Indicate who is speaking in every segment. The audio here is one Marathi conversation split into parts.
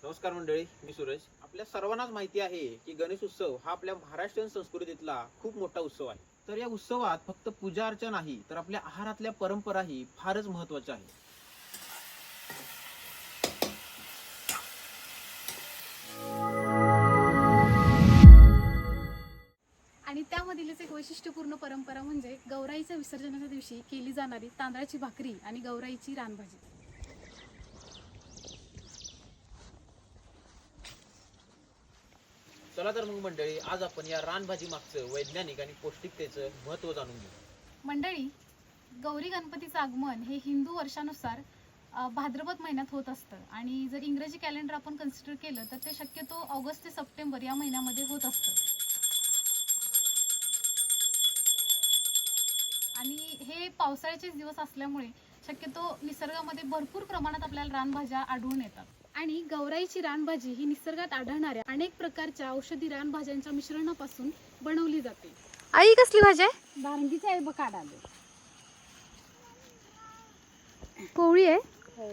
Speaker 1: नमस्कार मंडळी, मी सूरज. आपल्या सर्वांनाच माहिती आहे की गणेश उत्सव हा आपल्या महाराष्ट्रीयन संस्कृतीतला खूप मोठा उत्सव आहे. तर या उत्सवात फक्त पूजा अर्चा नाही तर आपल्या आहारातल्या परंपराही फारच महत्त्वाच्या आहेत.
Speaker 2: आणि त्यामधीलच एक वैशिष्ट्यपूर्ण परंपरा म्हणजे गौराईच्या विसर्जनाच्या दिवशी केली जाणारी तांदळाची भाकरी आणि गौराईची रानभाजी.
Speaker 1: चला तर मग मंडळी, आज आपण या रानभाजी मागचं वैज्ञानिक आणि पौष्टिकतेचं महत्त्व जाणून घेऊ.
Speaker 2: मंडळी, गौरी गणपतीचं आगमन हे हिंदू वर्षानुसार भाद्रपद महिन्यात होत असतं आणि जर इंग्रजी कॅलेंडर आपण कन्सिडर केलं तर ते शक्यतो ऑगस्ट ते सप्टेंबर या महिन्यामध्ये होत असतं. आणि हे पावसाळ्याचे दिवस असल्यामुळे शक्यतो निसर्गामध्ये भरपूर प्रमाणात आपल्याला रानभाज्या आढळून येतात. आणि गौराईची रानभाजी ही निसर्गात आढळणाऱ्या अनेक प्रकारच्या औषधी रानभाज्यांच्या मिश्रणापासून बनवली जाते.
Speaker 3: आई कसली भाजी आहे?
Speaker 2: बारंगीची आहे बघ, काढाली
Speaker 3: कोवळी आहे.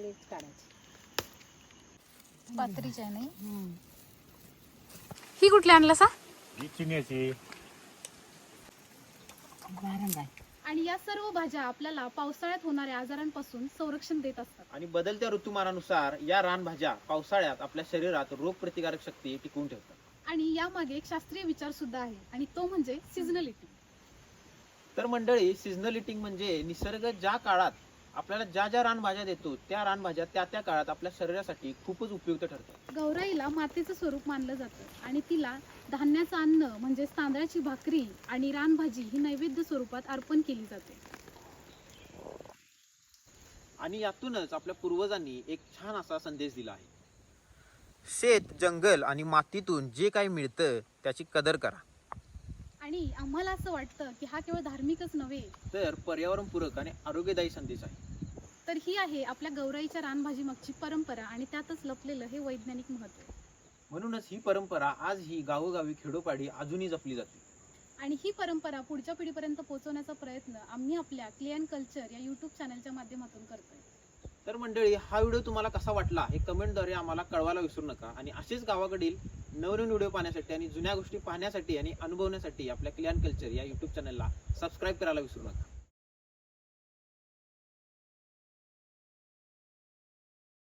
Speaker 2: पात्रीची आहे नाही.
Speaker 3: ही कुठली आणला सा?
Speaker 4: चिन्याची
Speaker 2: आणि या सर्व भाज्या आपल्याला पावसाळ्यात होणाऱ्या आजारांपासून संरक्षण देत असतात.
Speaker 1: आणि बदलत्या ऋतुमानानुसार या रानभाज्या पावसाळ्यात आपल्या शरीरात रोगप्रतिकारक शक्ती टिकवून ठेवतात.
Speaker 2: आणि यामागे एक शास्त्रीय विचार सुद्धा आहे आणि तो म्हणजे सीझनल ईटिंग.
Speaker 1: तर मंडळी, सीझनल ईटिंग म्हणजे निसर्ग ज्या काळात आपल्याला ज्या ज्या रानभाज्या देतो त्या रानभाज्या त्या त्या काळात आपल्या शरीरासाठी खूपच उपयुक्त ठरतात.
Speaker 2: गौराईला मातेचं स्वरूप मानलं जातं आणि तिला धान्याचं अन्न म्हणजे तांदळाची भाकरी आणि रानभाजी ही नैवेद्य स्वरूपात अर्पण केली जाते.
Speaker 1: आणि यातूनच आपल्या पूर्वजांनी एक छान असा संदेश दिला आहे. शेत, जंगल आणि मातीतून जे काही मिळतं त्याची कदर करा.
Speaker 2: आणि आम्हाला असं वाटतं की हा केवळ धार्मिकच नव्हे
Speaker 1: तर पर्यावरणपूरक आणि आरोग्यदायी संदेश आहे.
Speaker 2: तर ही आहे आपल्या गौराईच्या रानभाजी मागची परंपरा आणि त्यातच लपलेलं हे वैज्ञानिक महत्त्व.
Speaker 1: म्हणूनच ही परंपरा आजही गावोगावी खेडोपाडी अजूनही जपली जाते.
Speaker 2: आणि ही परंपरा पुढच्या पिढीपर्यंत पोहोचवण्याचा प्रयत्न आम्ही आपल्या क्ले अँड कल्चर या यूट्यूब चॅनलच्या माध्यमातून करतोय.
Speaker 1: तर मंडळी, हा व्हिडिओ तुम्हाला कसा वाटला हे कमेंटद्वारे आम्हाला कळवायला विसरू नका. आणि असेच गावाकडील नवनवीन व्हिडिओ पाहण्यासाठी आणि जुन्या गोष्टी पाहण्यासाठी आणि अनुभवण्यासाठी आपल्या क्ले अँड कल्चर या यूट्यूब चॅनलला सबस्क्राईब करायला विसरू नका.